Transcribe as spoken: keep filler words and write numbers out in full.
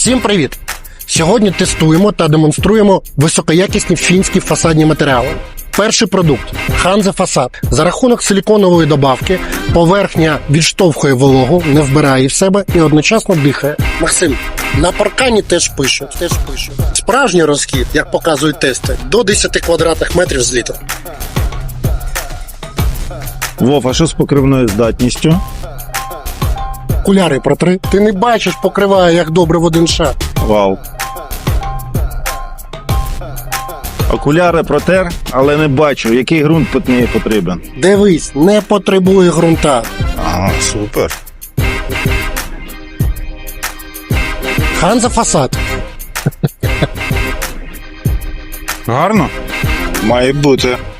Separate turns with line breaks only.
Всім привіт! Сьогодні тестуємо та демонструємо високоякісні фінські фасадні матеріали. Перший продукт – Hanze Фасад. За рахунок силіконової добавки поверхня відштовхує вологу, не вбирає в себе і одночасно дихає. Максим, на паркані теж пишуть, теж пишуть. Справжній розхід, як показують тести, до десяти квадратних метрів з літра.
Вов, а що з покривною здатністю?
Окуляри протри. Ти не бачиш, покриває як добре в один шар.
Вау. Окуляри протер, але не бачу, який ґрунт під неї потрібен.
Дивись, не потребує ґрунта.
Ага, супер.
Hanze Фасад.
Гарно? Має бути.